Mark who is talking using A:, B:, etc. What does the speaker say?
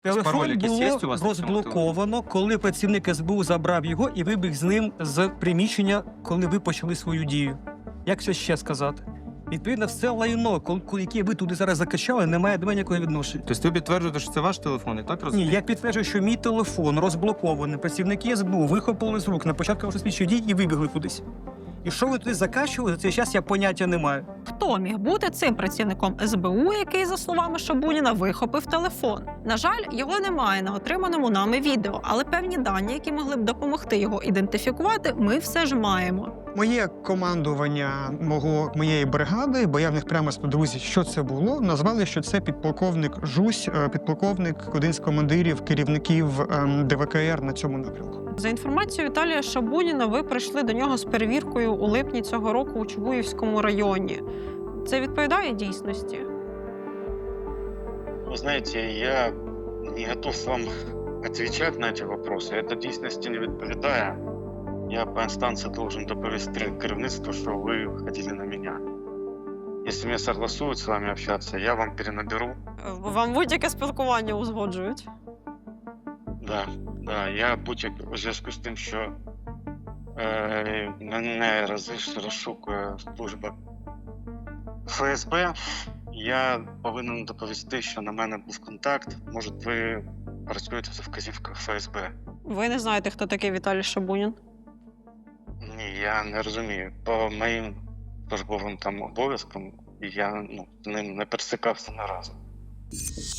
A: Телефон
B: Пароль якийсь є у
A: було
B: вас на цьому
A: розблоковано, коли працівник СБУ забрав його і вибіг з ним з приміщення, коли ви почали свою дію. Як це ще сказати? Відповідно, все лайно, яке ви туди зараз закачали, не має до мене ніякого відношення.
B: Тобто ви підтверджуєте, що це ваш телефон, і так
A: Ні,
B: розумієте?
A: я підтверджую, що мій телефон розблокований. Працівники СБУ вихопили з рук на початку вашої слідчої дій і вибігли кудись. І що ви туди закачували, за цей час я поняття не маю.
C: Хто міг бути цим працівником СБУ, який, за словами Шабуніна, вихопив телефон? На жаль, його немає на отриманому нами відео, але певні дані, які могли б допомогти його ідентифікувати, ми все ж маємо.
A: Моє командування моєї бригади, бо я в них прямо спитав, друзі, що це було, назвали, що це підполковник Жусь, підполковник, один з командирів, керівників ДВКР на цьому напрямку.
C: За інформацією Віталія Шабуніна, ви прийшли до нього з перевіркою у липні цього року у Чугуївському районі. Це відповідає дійсності?
D: Вы знаете, я не готов вам отвечать на эти вопросы. Это дійсності не відповідає. Я по инстанции должен доповести керівництву, що ви ходили на меня. Если мне согласуют с вами общаться, я вам перенаберу.
C: Вам будь-яке спілкування узгоджують?
D: Да, я будь-як у зв'язку з тим, що мене розшукує служба ФСБ, я повинен доповісти, що на мене був контакт. Може, ви працюєте за вказівкою ФСБ?
C: Ви не знаєте, хто такий Віталій Шабунін?
D: Ні, я не розумію. По моїм службовим там обов'язкам я з ним не пересикався ні разу.